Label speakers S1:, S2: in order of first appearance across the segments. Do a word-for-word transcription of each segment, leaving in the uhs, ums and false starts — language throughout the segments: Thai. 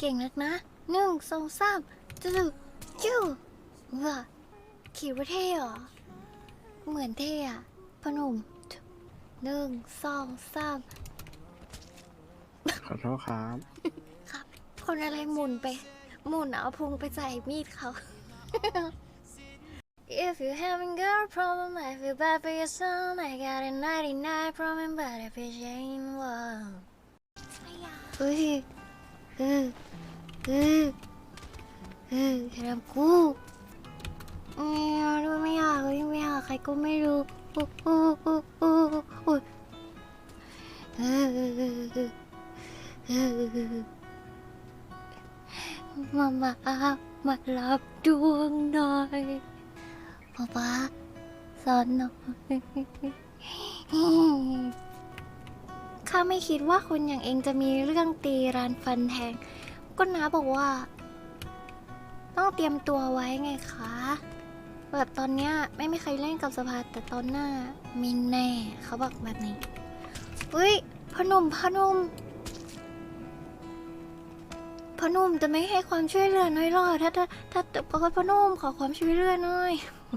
S1: เก่งนักนะหนึ่งสองสามจู่จู่ว้าคิดว่าเท่เหรอเหมือนเท่อะพอหนุ่มหนึ่งสองสาม
S2: ขอโทษครับ
S1: ครับคนอะไรหมุนไปหมุนเอาพุงไปใส่มีดเขา If you having girl problem I feel bad for your son I got a ninety-nine problem but if it ain't one เฮ้ยเออเออเอออย่าทำกูไม่เอาด้วยไม่อยากเลยไม่อยากใครก็ไม่รู้โอ้โอ้โอ้โอ้โอ้เออเออเออเออมามามารับดวงหน่อยป๊าป๊าสอนหน่อยข้าไม่คิดว่าคนอย่างเองจะมีเรื่องตีรานฟันแทงก็น้าบอกว่า ต้องเตรียมตัวไว้ไงคะแบบตอนเนี้ยไม่มีใครเล่นกับสภาแต่ตอนหน้ามีแน่เขาบอกแบบนี้เฮ้ยพอหนุ่มพอหนุ่มพอหนุ่มจะไม่ให้ความช่วยเหลือน้อยหรอถ้าถ้าถ้าพอพอหนุ่มขอความช่วยเหลือหน่อย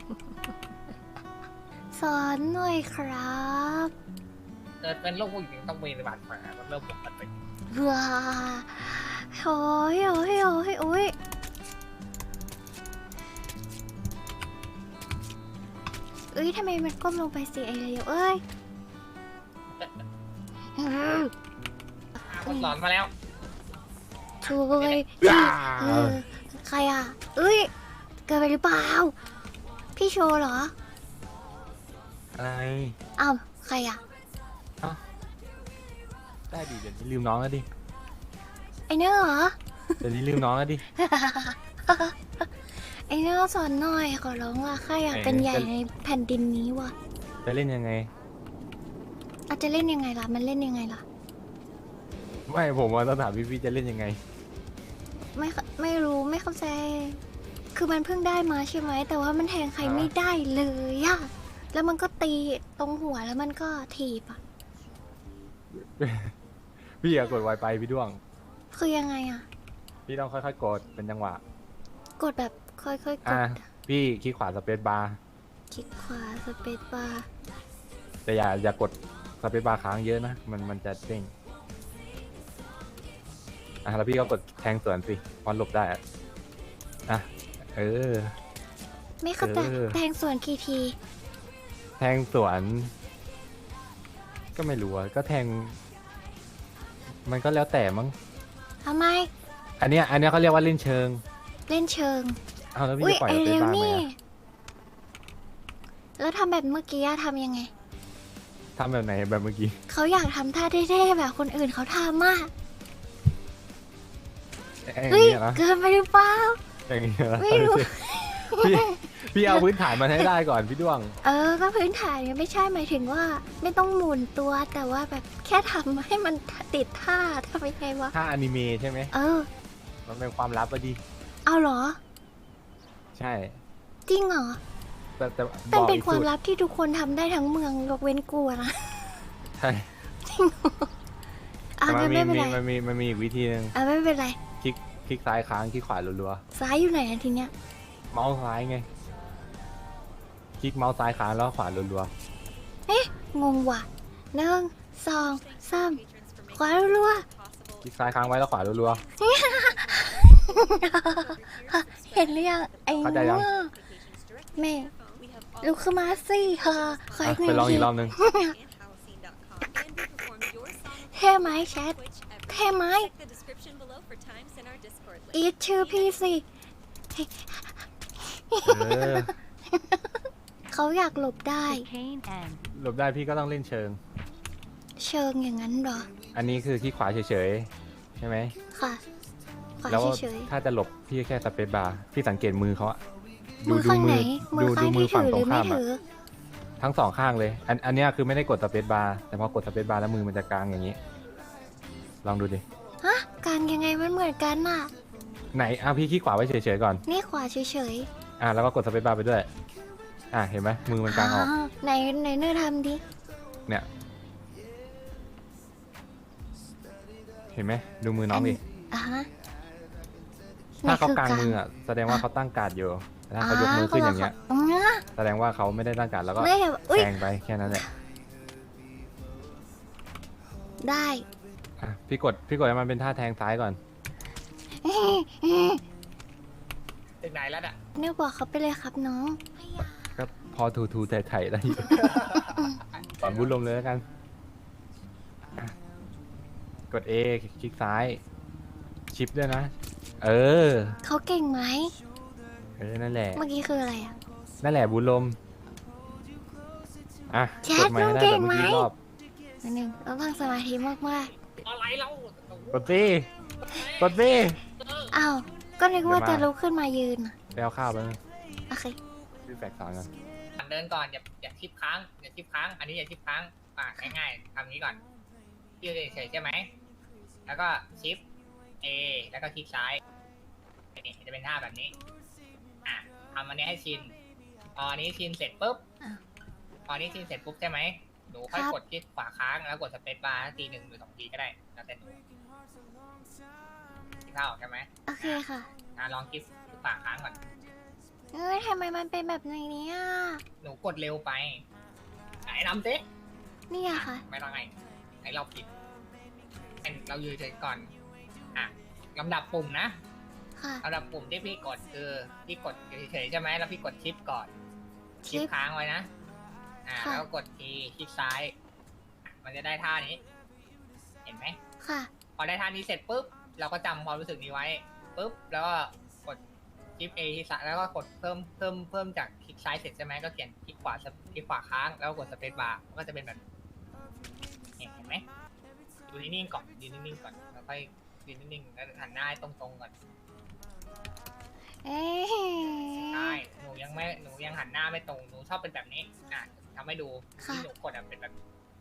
S1: สอนหน่อยครับ
S3: เกิดเป็นโรคผู้หญิงต้องมีบาดแผลมันเริ่มปกติ
S1: ว้าโอ้ยโอ้ยโอ้ยโอ้ยเอ้ยทำไมมันก้มลงไปสิไอเลียวเอ้ย
S3: คนสอนมาแล้ว
S1: ช่วยเออใครอ่ะเอ้ยเกิดไปหรือเปล่าพี่โชว์เหรอ
S4: อะไร
S1: อ้าวใครอ่ะ
S4: ได้ดิเดี๋ยวนี้ลืมน้องแล้วดิ
S1: ไอเนอร์เหรอ
S4: เดี๋ยวนี้ลืมน้องแล้วดิ
S1: ไอเนอร์สอนหน่อยขอร้องว่าใครอยากเป็นใหญ่ในแผ่นดินนี้วะ
S4: จะเล่นยังไง
S1: อาจจะเล่นยังไงล่ะมันเล่นยังไงล่ะ
S4: ไม่ผมว่าต้องถามพี่พี่จะเล่นยังไง
S1: ไม่เข้าไม่รู้ไม่เข้าใจ คือมันเพิ่งได้มาใช่ไหม แต่ว่ามันแทงใครไม่ได้เลยอะแล้วมันก็ตีตรงหัวแล้วมันก็ถีบอะ
S4: พี่อย่ากดไวไปพี่ด้วง
S1: คือยังไงอะ
S4: พี่ต้องค่อยๆกดเป็นจังหวะ
S1: กดแบบค่อยๆก
S4: อ่ะ
S1: ด
S4: พี่คลิกขวาสเปซบาร์
S1: คลิกขวาสเปซบาร์
S4: แต่อย่าอย่ากดสเปซบาร์ค้างเยอะนะ มันมันจะเด้งอ่ะแล้วพี่ก็กดแทงสวนสิพอหลบได้อะอ่ะเออ
S1: ไม่เข้าใจ
S4: เออ
S1: แทงส่วนกี่ที
S4: แทงสวน ก็ไม่รู้อะก็แทง มันก็แล้วแต่มั้ง
S1: ทำไม
S4: อันเนี้ยอันเนี้ยเขาเรียกว่าเล่นเชิง
S1: เล่นเชิง
S4: เอาแล้วพี่
S1: อุ้ย
S4: จะปล่อย
S1: ไอ
S4: สเป
S1: เร็
S4: ซ
S1: ว
S4: บาร์ไหม
S1: นี่
S4: อะ
S1: แล้วทำแบบเมื่อกี้อะทำยังไง
S4: ทำแบบไหนแบบเมื่อกี้
S1: เขาอยากทำท่าเท่ๆแบบคนอื่นเขาทำมาก
S4: อย่าง
S1: เฮ้ย
S4: เงี้ยนะ
S1: เกินไปหรือเปล่า
S4: อย่างเงี้ยนะ
S1: ไม่รู้
S4: พี่พี่เอาพื้นฐานมาให้ได้ก่อนพี่ด้วง
S1: เออ ก็พื้นฐานยังไม่ใช่หมายถึงว่า ไม่ต้องหมุนตัวแต่ว่าแบบแค่ทำให้มันติดท่าทำยังไงวะ
S4: ถ้าอนิเมะใช่ไหม
S1: เออ
S4: มันเป็นความลับอะดิ
S1: เอาเหรอ
S4: ใช่
S1: จริงเหรอ
S4: แต่แต่
S1: มัน
S4: บอก
S1: เป็น
S4: อีก
S1: ความ
S4: สูตร
S1: ลับที่ทุกคนทำได้ทั้งเมืองยกเว้นกูอะนะ
S4: ใช่
S1: อ่ะ
S4: แต่มั
S1: งั้
S4: น
S1: น
S4: มี
S1: ไม่เป็นไร
S4: มีมันมีมันมีอีกวิธีหนึ่ง
S1: อ่ะไม่เป็นไร
S4: คลิกคลิกซ้ายค้างคลิกขวารัว
S1: ซ้ายอยู่ไหนอะทีเนี้ย
S4: ๆเมาส์ซ้ายไง คลิกเมาส์ซ้ายค้างแล้วขวารัว
S1: เอ๊ะ งงว่ะหนึ่งสองสามขวารัว
S4: ๆคลิกซ้ายค้างไว้แล้วขวารัว
S1: ๆเห็นหรือยังไอ้
S4: เข้าใจยัง
S1: โง่แม่ลุกขึ้นมาสิเธอข
S4: ๆ
S1: อ
S4: อ่ะ
S1: อีกหนึ่
S4: ไป
S1: ง
S4: ลอง
S1: ที
S4: อีกรอบหนึง
S1: เท่ไหมแชทเท่ไหมอีทชื่อพี่สิ
S4: เออ
S1: เขาอยากหลบได้
S4: หลบได้พี่ก็ต้องเล่นเชิง
S1: เชิงอย่างนั้นเหรอ
S4: อันนี้คือคลิกขวาเฉยๆใช่ไหม
S1: ค่ะขวา
S4: แล้ว
S1: เฉย
S4: ถ้าจะหลบพี่แค่สเปซบาร์พี่สังเกตมือเขาอะ
S1: ๆมือข้างไหน มือข้างที่ถือหรือไม่ถือ
S4: ทั้งสองข้างเลย อันอันเนี้ยคือไม่ได้กดสเปซบาร์แต่พอกดสเปซบาร์แล้วมือมันจะกลางอย่างนี้ ลองดูดิ
S1: ฮะการยังไงมันเหมือนกันน่ะ
S4: ไหนอ่ะพี่คลิกขวาไว้เฉยๆก่อน
S1: นี่ขวาเฉย
S4: อ่ะแล้วก็กดสเปซบาร์ไปด้วย อ่ะเห็นไหมมือมัน
S1: ๆ
S4: กลางออก
S1: อ่าไหนไหนเนื้อทำดิ
S4: เนี่ย เห็นไหมดูมือน้องดิ
S1: อ่ะฮะ
S4: ถ้าเขา
S1: นี่คื
S4: กางมืออ่ะแสดงว่าเขาตั้งการ์ดอยู่แต่ถ้าเขายกมือขึ้นอย่างเงี้ย
S1: ตรงเนี้ย
S4: แสดงว่าเขาไม่ได้ตั้งการ์ดแล้วก็
S1: ไม่อุ้ย
S4: แทงไปแค่นั้นแหละ
S1: ได้
S4: อ่ะพี่กดพี่กดให้มันเป็นท่าแทงซ้ายก่อน
S3: ถึงไหนแล้วน่ะ
S1: เนี่ยบอกเขาไปเลยครับน้อง
S4: ก็พอทูทูไถ่ไถ่ได้อยู่ สอนบุญลมเลยแล้วกันอ่ะกด A คลิกซ้าย ชิปด้วยนะ เออ
S1: เขาเก่งไหม
S4: เออ นั่นแหละ
S1: เมื่อกี้คืออะไรอ่ะ
S4: นั่นแหละบุญลม อ่ะ
S1: แช
S4: ก
S1: ท
S4: ดใหม่ให้ได้
S1: เก่
S4: แบบ
S1: ง
S4: เมื่อกี้
S1: ไหม
S4: รอบ
S1: นิดนึงเราต้องสมาธิมาก
S3: อะไรเรา
S4: กดสิกดสิ
S1: ๆ อ้าว ก็นึกว่า
S4: เดี๋
S1: จะ
S4: ยวมา
S1: ลุกขึ้นมายืนอะ
S4: ไปเอาข้าวไปนะ
S1: โอเค
S4: พี่แฝกสอนกัน
S3: เดินก่อนอย่าอย่าทิปค้างอย่าทิปค้าง อันนี้อย่าทิปค้างอ่ะง่ายๆทำนี้ก่อนยืดเฉยๆใช่ไหมแล้วก็ชิป A แล้วก็คลิกซ้ายนี่จะเป็นท่าแบบนี้อ่ะทำอันนี้ให้ชินพออันนี้ชินเสร็จปุ๊บ
S1: อ่ะ
S3: พออันนี้ชินเสร็จปุ๊บใช่ไหมหนูค่อย
S1: ครับ
S3: กดคลิกขวาค้างแล้วกดสเปซบาร์ทีหนึ่งหรือสองทีก็ได้แล้วแต่หนูคิดภาพออกใช่ไหม
S1: โอเคค่ะ
S3: อ่ะลองคลิกขวาค้างก่อน
S1: เอ้ยทำไมมันเป็นแบบนี้เนี่ย
S3: หนูกดเร็วไปไหนนำสิ
S1: เนี่ยค่ะ
S3: ไม่ต้องไงไอเราผิดให้เรายืนเฉยก่อน อ่ะลำดับปุ่มนะ
S1: ค่ะ
S3: ลำดับปุ่มที่พี่กดคือพี่กดเฉยๆใช่ไหมแล้วพี่กดชิปก่อน
S1: ชิ
S3: ชิป
S1: ป
S3: ค้างไว้นะ อ่า
S1: ค่ะ
S3: แล้วก็กดทีคลิกซ้าย มันจะได้ท่านี้ เห็นไหม
S1: ค่ะ
S3: พอได้ท่านี้เสร็จปุ๊บ เราก็จำความรู้สึกนี้ไว้ปุ๊บ แล้วก็กดชิป A ที่ซ้ายแล้วก็กดเพิ่มเพิ่มเพิ่มจากคลิกซ้ายเสร็จใช่ไหมก็เขียนคลิกขวาคลิกขวาค้างแล้วก็กดสเปซบาร์มันก็จะเป็นแบบเห็นเห็นไหมดูนิ่งๆก่อนยืนนิ่งๆก่อนแล้วค่อยยืนนิ่งๆแล้วหันหน้าให้ตรงๆก่อน
S1: เอ้ย
S3: ใช่หนูยังไม่หนูยังหันหน้าไม่ตรงหนูชอบเป็นแบบนี้อ่ะทำให้ดูที่หนูกดอ่ะเป็นแบบ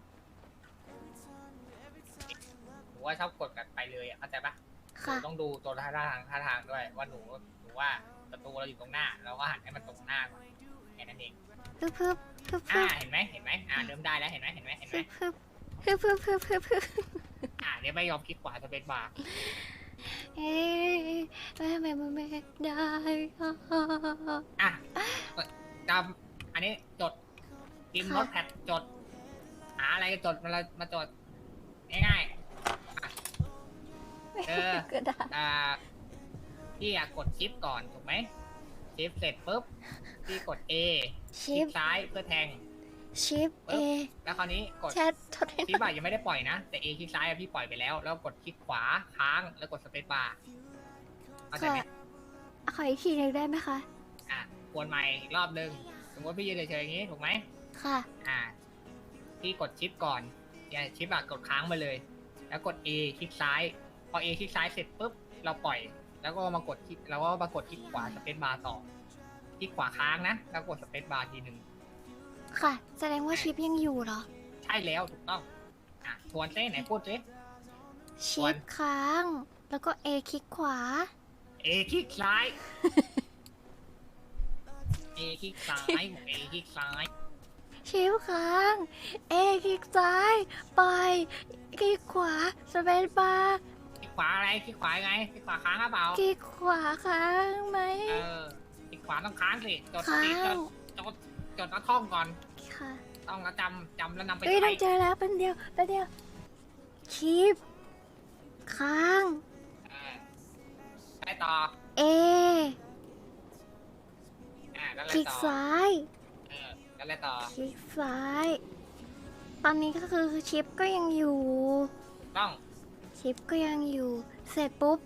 S3: หนูว่าชอบกดแบบไปเลยอ่ะเข้าใจปะหนู
S1: ค่ะ
S3: ต้องดูตัวท่าทางท่าทางด้วยว่าหนูหนูว่าประตูเราอยู่ตรงหน้าเราก็หันให้มันตรงหน้าก่อนแค่นั้นเอง
S1: พึบพึบพึบ
S3: อ่า
S1: พึบ
S3: เห็นไหมเห็นไหมอ่าเริ่มได้แล้วเห็นไหมเห็นไหมเห็นไหม
S1: พึบพึบพึบพึบพึบพึบ
S3: อ่าเดี๋ยวไม่ยอมคลิกขวาสเปซบาร์
S1: เอ้ยทำไมมันไม่ได้
S3: อ่ะจำอันนี้จดพิมพ์โน้ตแพดจดหาอะไรก็จดมามาจดง่ายๆอ่ะเออ
S1: ก็ได้
S3: อ่าพี่อยากกดชิปก่อนถูกไหมชิปเสร็จปุ๊บพี่กด A ค
S1: ชิ
S3: ลิ
S1: ป
S3: กซ้ายเพื่อแทง
S1: ชิปเอ
S3: แล้วคราวนี้กด
S1: แชททดให้ห
S3: ชิ
S1: น่
S3: ป
S1: อย
S3: อะยังไม่ได้ปล่อยนะ แต่ A คลิกซ้ายอะพี่ปล่อยไปแล้ว แล้วกดคลิกขวาค้างแล้วกดสเปซบาร์เข้าใจ
S1: ขอ
S3: ไหม
S1: ขออีกทีหนึ่งได้ไหมคะ
S3: อ่ะกวนใหม่อีกรอบนึงสมมติพี่ยืนเฉยๆอย่างนี้ถูกไหม
S1: ค่ะ
S3: อ่าพี่กดชิปก่อนเนี่ยชิปอะกดค้างไปเลย แล้วกด A คลิกซ้าย พอ A คลิกซ้ายเสร็จปุ๊บเราปล่อย แล้วก็มากดคลิกแล้วก็มากดคลิกขวาสเปซบาร์ต่อคลิกขวาค้างนะ แล้วกดสเปซบาร์ทีหนึ่ง
S1: ค่ะ แสดงว่าชิปยังอยู่เหรอ
S3: ใช่แล้วถูกต้อง อ่ะทวนเส้ไหนพูดสิ
S1: ชิปค้าง แล้วก็เอคลิกขวา
S3: A คลิกซ้าย A คลิกซ้ายบอก A คลิกซ้าย
S1: ชิปค้าง เอคลิกซ้าย ไป คลิกขวา สเปซบาร์
S3: คลิกขวาอะไรคลิกขวาไงคลิกขวาค้างหรือเปล่า
S1: คลิกขวาค้างไหม
S3: เออคลิกขวาต้องค้างสิจด
S1: ค้า
S3: สิจ
S1: ง
S3: ดจดจดแล้วท่องก่อน
S1: ค่ะ
S3: ต้องแล้วจำจำแล้วนำไป
S1: เอ้ย
S3: ใช้
S1: ต้องเจอแล้วเป็นเดียวเป็นเดียว ชิปค้าง
S3: เออไปต่อ
S1: เอ
S3: อ่าแล้ว
S1: ค
S3: อะไร
S1: ลิก
S3: ต่อ
S1: ซ้าย
S3: เออแล้วอะไรต่อ
S1: คลิกซ้าย ตอนนี้ก็คือชิปก็ยังอยู่
S3: ต้อง
S1: ชิปก็ยังอยู่ เสร็จปุ๊บ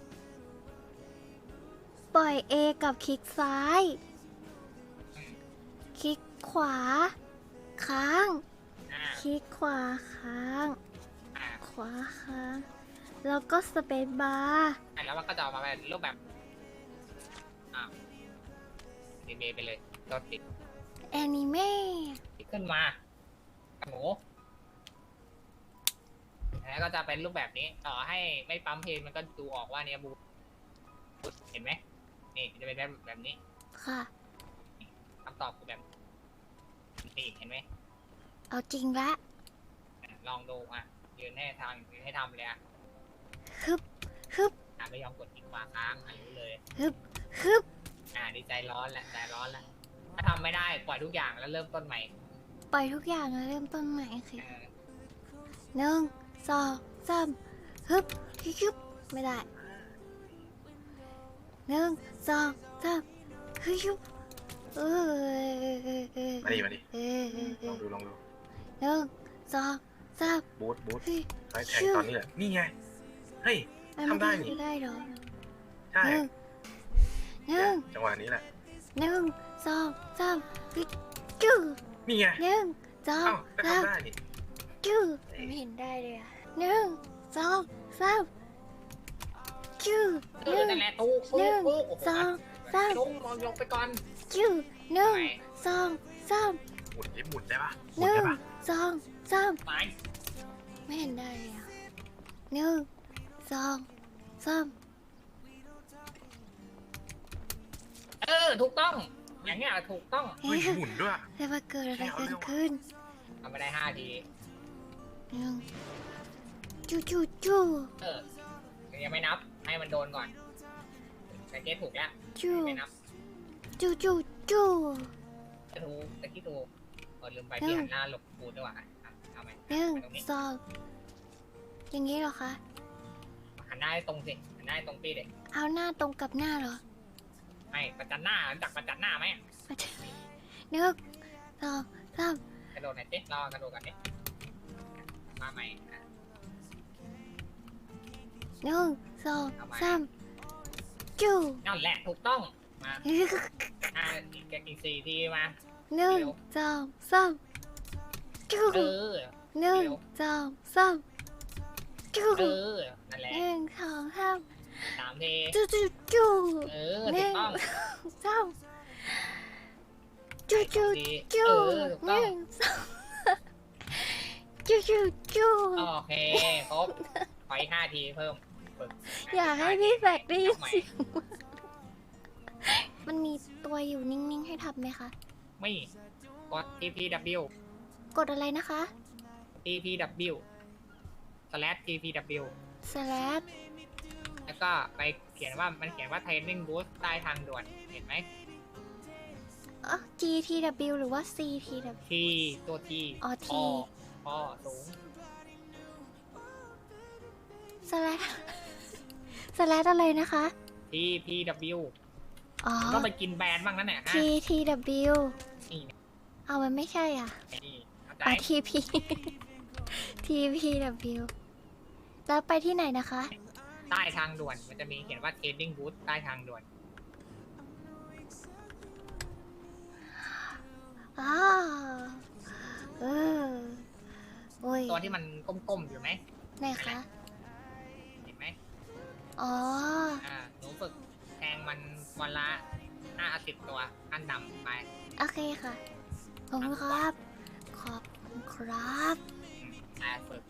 S1: ปล่อย A กับคลิกซ้าย
S3: อืม
S1: คลิกขวา ค้าง
S3: อ่า
S1: คลิกขวาค้าง
S3: อ่า
S1: ขวาค้าง แล้วก็สเปซบาร์
S3: อ่าแล้วมันก็จะออกมาเป็นรูปแบบอ่าดีเมย์ไปเลยจดติด
S1: แอนิเมะ
S3: ขึ้นมาหนูแล้วก็จะเป็นรูปแบบนี้ ต่อให้ไม่ปั๊มเพลงมันก็ดูออกว่าเนี่ยบูเห็นไหมนี่จะเป็นแบบแบบนี้
S1: ค่ะ
S3: คำตอบคือแบบนี่เห็นไหม
S1: เอาจริงละ
S3: อ่ะลองดูอ่ะยืนให้ทางยืนให้ทำเลยอ่ะ
S1: ฮึบฮึบ
S3: อ่าไม่ยอมกดคลิกขวาค้างอายุเลย
S1: ฮึบฮึบ
S3: อ่าดีใจร้อนแหละใจร้อนแหละถ้าทำไม่ได้ปล่อยทุกอย่างแล้วเริ่มต้นใหม่
S1: ปล่อยทุกอย่างแล้วเริ่มต้นใหม่โอเค
S3: เออ
S1: หนึ่งสองสามฮึบฮึบไม่ได้หนึ่งสองสามฮึบเออ
S2: มาดิมาดิ
S1: เออเออเอ
S2: ลอ
S1: อง
S2: ดูลองดู
S1: หนึ่งสองสาม
S2: บูทบูท
S1: เฮ้ย
S2: ไฟแทงตอนนี้แหละนี่ไงเฮ้ย
S1: มัน
S2: ทำได้
S1: ไม่
S2: นี่
S1: ได้เหรอ
S2: ใช่
S1: หนึ่งห
S2: เนี่
S1: นึ่
S2: ย
S1: ง
S2: จังหวะนี้แหละ
S1: หนึ่งสองสามฮึบจู้
S2: นี่ไง
S1: หนึ่งสอง
S2: เอ้าก็
S1: สาม
S2: ทำได้นี่
S1: จู้ไม่เห็นได้เลยอะหนึ่งสองสามจู้
S3: เอ
S1: ห
S3: อ
S1: นึ่ง
S3: นั่นแหละตู้
S1: หนึ่
S3: ตู้
S1: ง
S3: ตู้โอ้โห
S1: สองสาม
S3: ลงลงลงไปก่อน
S1: จู้หนึ่งสองสาม
S2: หมุนดิหมุนได้ปะห
S1: ห
S2: มุน
S1: นึ่
S2: ได้
S1: ง
S2: ปะ
S1: สองสาม
S3: ไป
S1: ไม่เห็นได้เลยอะหนึ่งสองสาม
S3: เออถูกต้อง อย่างเงี้ยถูกต้อง
S2: เฮ้ยหมุนด้วย
S1: แต่ว่าเกิดอะไรกันขึ้น
S3: ทำไม่ได้ห้าที
S1: หนึ่งจู้จู้จู้
S3: เออยังไม่นับให้มันโดนก่อนแต่เกตถูกแล้ว
S1: จู้
S3: ไม่นับ
S1: จู้จู้จู้
S3: จะถูกตะกี้ถูกเออลืมไปที่หันหน้าหลบปูด้วยว่ะอ่ะเอาไหม
S1: หนึ่ง
S3: ไปตรงนี้
S1: สองอย่างนี้เหรอคะ
S3: หันหน้าให้ตรงสิหันหน้าให้ตรงปีเด็ก
S1: เอาหน้าตรงกับหน้าเหรอ
S3: ไม่ประจันหน้ารู้จักประจันหน้าไหม
S1: มาเถอะหนึ่งสองสาม
S3: กระโดดหน่อยสิรอกระโดดกันดิมาใหม่อ่ะ
S1: หนึ่งสองสามจู้
S3: นั่นแหละถูกต้องมาอ่าอีกอีกสี่ทีมา
S1: หนึ่งสองสามจู้
S3: เออ
S1: หนึ่งสองสามจู้
S3: เออนั่นแหละ
S1: หนึ่งสองสาม
S3: สามที
S1: จู้จู้จู้
S3: เออถูกต้อง
S1: สามจู้จู้
S3: ที
S1: จู้
S3: เออถูก
S1: ห
S3: ต้อง
S1: นึ่งสองจู้จู้จู้
S3: โอเคครบขออีกห้าทีเพิ่มฝึก
S1: อยากให้พี่แบกได้ยิน
S3: ใหม่
S1: เสียงมันมีตัวอยู่นิ่งๆให้ทำไหมคะ
S3: ไม่กด ที พี ดับเบิลยู
S1: กดอะไรนะคะ
S3: ที พี ดับเบิลยู slash ที พี ดับเบิลยู
S1: slash
S3: แล้วก็ไปเขียนว่ามันเขียนว่า training boost ใต้ทางด่วนเห็นไหม
S1: เออ จี ที ดับเบิลยู หรือว่า ซี ที ดับเบิลยู
S3: ทีตัวที
S1: อ๋อ T
S3: พอพอสูง
S1: slash slash อะไรนะคะ
S3: ที พี ดับเบิลยู
S1: อ๋อ
S3: ต้องไปกินแบรนด์บ้างนั่นแหละฮะ
S1: ที ที ดับเบิลยู
S3: นี่
S1: เอามันไม่ใช่อ่ะ
S3: นี่เข้าใจ
S1: อ๋อ ที พี ที พี ดับเบิลยู แล้วไปที่ไหนนะคะ
S3: ใต้ทางด่วนมันจะมีเขียนว่า training boost ใต้ทางด่วน
S1: อ๋อเออโอ้ย
S3: ตัวที่มันก้มๆอยู่ไหม
S1: ไหนคะ
S3: เห็นไหม
S1: อ๋อ
S3: อ่าหนูฝึกแทงมันวันละห้าสิบตัวขั้นต่ำไป
S1: โอเคค่ะ ขอบคุณครับ ขอบคุณครับ
S3: อืมแต่ฝึก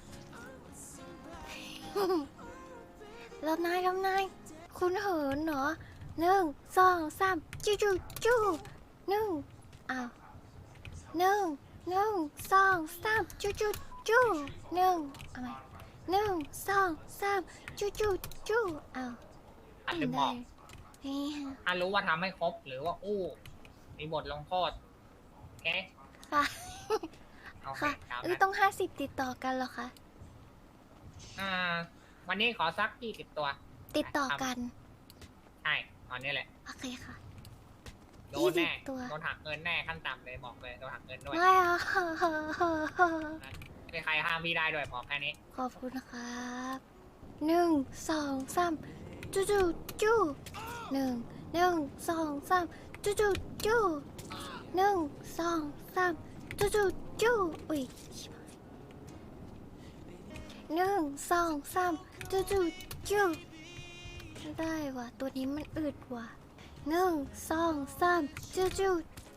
S1: รอบนายรอบนายคุณเหินเหรอหนึ่งสองสามจู้จู้จู้หนึ่งอ้าวหนึ่งหนึ่งสองสามจู้จู้จู้หนึ่งเอาใหม่หนึ่งสองสามจู้จู้จู้อ้าว
S3: อันลืมบอก
S1: นี่ฮะ
S3: ถ้ารู้ว่าทำให้ครบหรือว่าอู้มีบทลงโทษโอเค
S1: ค่ะ
S3: เอาไป
S1: ค่ะ
S3: ตาม
S1: เอ้ย
S3: นั้น
S1: ต้องห้าสิบติดต่อกันเหรอคะ
S3: อ่า วันนี้ขอสักยี่สิบตัว
S1: ติดต่อกัน
S3: ใช่ตอนนี้แหละ
S1: โอเคค่ะ
S3: โดนแน่
S1: ยี่สิบตัว
S3: โดนหักเงินแน่ขั้นต่ำเลยบอกเลยโดนหักเงินด้วย
S1: ไม่เอา
S3: ไม่มีใครห้ามพี่ได้ด้วยบอกแค่นี้
S1: ขอบคุณครับหนึ่งสองสามจู้จู้จู้หนึ่งหนึ่งสองสามจู้จู้จู้หนึ่งสองสามจู้จู้จู้อุ้ยชิบหายหนึ่งสองสามจู้จู้จู้ไม่ได้ว่ะตัวนี้มันอึดว่ะหนึ่งสองสามจู้จู้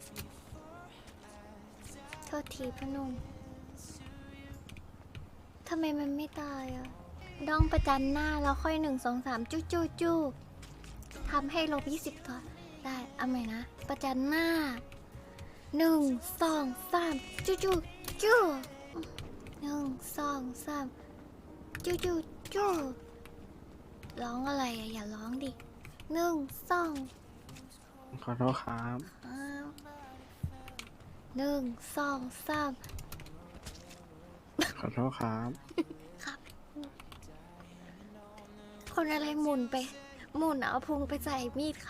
S1: โทษทีพอหนุ่มทำไมมันไม่ตายอ่ะดองประจันหน้าแล้วค่อยหนึ่งสองสามจู้จู้จู้ทำให้ลบยี่สิบก่อนได้เอาใหม่นะ ประจันหน้าหนึ่งสองสามจู้จู้จู้หนึ่งสองสามจู้จู้จู้ร้องอะไรอะอย่าร้องดิหนึ่งสอง
S5: ขอโทษครับ
S1: ครับหนึ่งสองสาม
S5: ขอโทษครับ
S1: ครับ คนอะไรหมุนไป หมุนเอาพุงไปใส่มีดเขา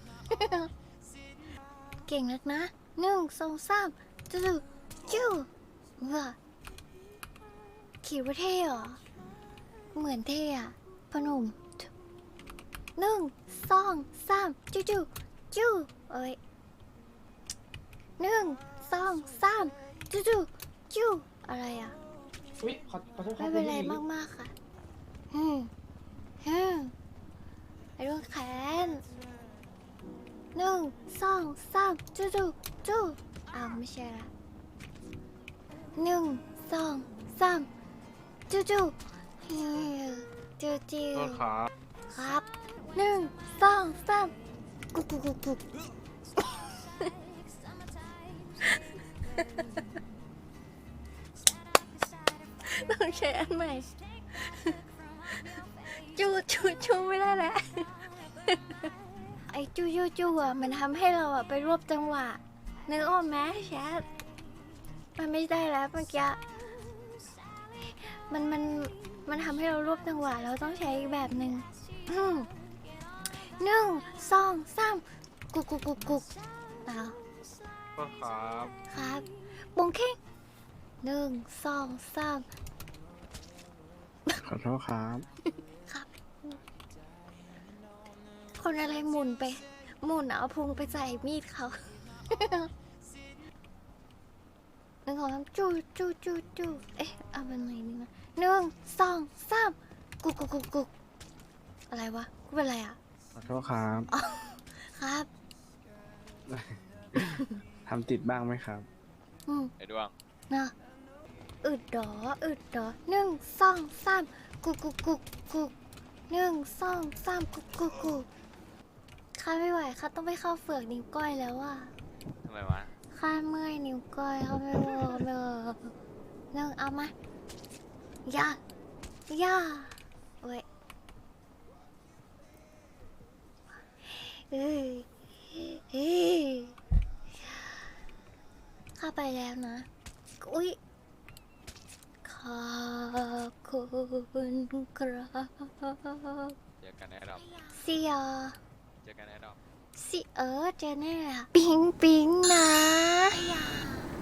S1: เก่งนักนะหนึ่งสองสามจู่จู่ว้าคิดว่าเท่เหรอ เหมือนเท่อะพอหนุ่มหนึ่งสองสามจู่จู่จู่เอ้ยหนึ่งสองสามจู่จู่จู่อะไรอะ
S5: อุ้ยขอขอโทษครั
S1: ไม่
S5: บ
S1: เป็นไร
S5: คุณผู้หญิง
S1: มาก ๆ ค่ะฮึมฮึมไอ้ดวงแขนหนึ่งสองสามจู่จู่จู่อ้าวไม่ใช่ละหนึ่งสองสามจู่จู่ฮิวจู่จู่
S5: ขอโทษครับ
S1: ครับหนึ่งสองสามกุกกุกกุกกุกต้องใช้อันใหม่ จูจูจูไม่ได้แล้ว ไอ้จูจูจูอ่ะมันทำให้เราอ่ะไปรวบจังหวะนึกออกไหมแชทมันไม่ได้แล้วเมื่อกี้มันมันมันทำให้เรารวบจังหวะเราต้องใช้อีกแบบหนึ่งอืมหนึ่งสองสามกุกกุกกุกกุกเอา
S5: ขอโทษครับ
S1: ครับบงเค้งหนึ่งสองสาม
S5: ขอโทษครับ
S1: ครับ คนอะไรหมุนไป หมุนเอาพุงไปใส่มีดเขา หนึ่งสองสามจูจูจูจูเอ๊ะเอาเป็นไงนี่นะหนึ่งสองสามกุกกุกกุกกุกอะไรวะกูเป็นอะไรอ่ะ
S5: ขอโทษครับ
S1: ครับ
S5: ทำติดบ้างไหมครับ
S1: อืม
S6: ไอ้ดวง
S1: นะอึดดออึดดอหนึ่งสองสามกุกกุกกุกกุกหนึ่งสองสามกุกกุกกุกข้าไม่ไหวข้าต้องไปเข้าเฟือกนิ้วก้อยแล้วอ่ะ
S6: ทำไมวะ
S1: ข้าเมื่อยนิ้วก้อยเขาไม่เวิร์กไม่เวิร์กหนึ่งเอามาย่าย่าเว้ยเอ้ยเอ้ยข้าไปแล้วนะ อุ้ยขอบคุณครับ
S6: เจอกันแน่ดอก
S1: เสีย
S6: เจอกันแน่ดอก
S1: สิเออเจอแน่อะปิ๊งปิ๊งนะ